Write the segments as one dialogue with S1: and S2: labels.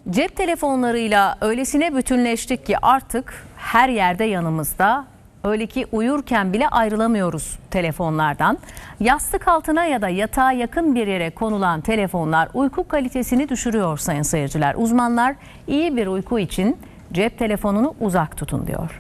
S1: Cep telefonlarıyla öylesine bütünleştik ki artık her yerde yanımızda. Öyle ki uyurken bile ayrılamıyoruz telefonlardan. Yastık altına ya da yatağa yakın bir yere konulan telefonlar uyku kalitesini düşürüyor sayın seyirciler. Uzmanlar iyi bir uyku için cep telefonunu uzak tutun diyor.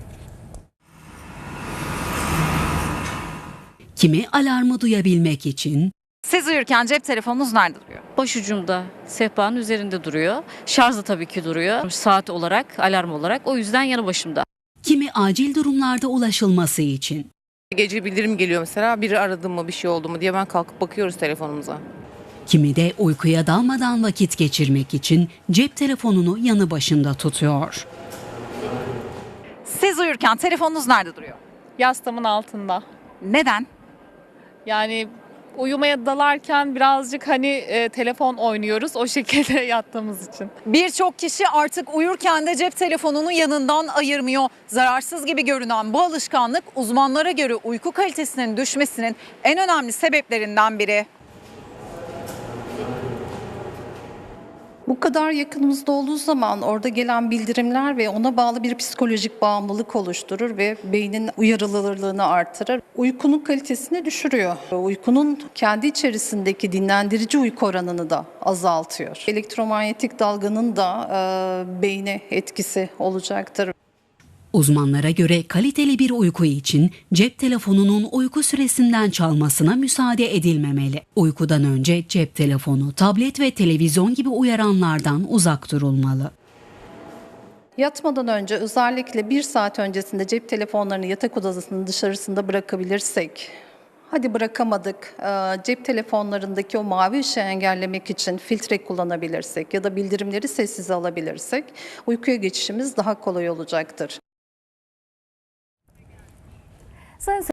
S2: Kimi alarmı duyabilmek için,
S3: Siz uyurken cep telefonunuz nerede duruyor?
S4: Başucumda, sehpanın üzerinde duruyor. Şarjda tabii ki duruyor. Saat olarak, alarm olarak. O yüzden yanı başımda.
S2: kimi acil durumlarda ulaşılması için.
S5: Gece bildirim geliyor mesela, biri aradı mı, bir şey oldu mu diye ben kalkıp bakıyoruz telefonumuza.
S2: Kimi de uykuya dalmadan vakit geçirmek için cep telefonunu yanı başında tutuyor.
S3: Siz uyurken telefonunuz nerede duruyor?
S6: Yastığımın altında.
S3: Neden?
S6: Yani uyumaya dalarken birazcık telefon oynuyoruz o şekilde yattığımız için.
S7: Birçok kişi artık uyurken de cep telefonunu yanından ayırmıyor. Zararsız gibi görünen bu alışkanlık uzmanlara göre uyku kalitesinin düşmesinin en önemli sebeplerinden biri.
S8: Bu kadar yakınımızda olduğu zaman orada gelen bildirimler ve ona bağlı bir psikolojik bağımlılık oluşturur ve beynin uyarılırlığını artırır. Uykunun kalitesini düşürüyor. Uykunun kendi içerisindeki dinlendirici uyku oranını da azaltıyor. Elektromanyetik dalganın da beyne etkisi olacaktır.
S2: Uzmanlara göre kaliteli bir uyku için cep telefonunun uyku süresinden çalmasına müsaade edilmemeli. Uykudan önce cep telefonu, tablet ve televizyon gibi uyaranlardan uzak durulmalı.
S8: Yatmadan önce özellikle 1 saat öncesinde cep telefonlarını yatak odasının dışarısında bırakabilirsek, hadi bırakamadık, cep telefonlarındaki o mavi ışığı engellemek için filtre kullanabilirsek ya da bildirimleri sessize alabilirsek uykuya geçişimiz daha kolay olacaktır.
S1: Sayın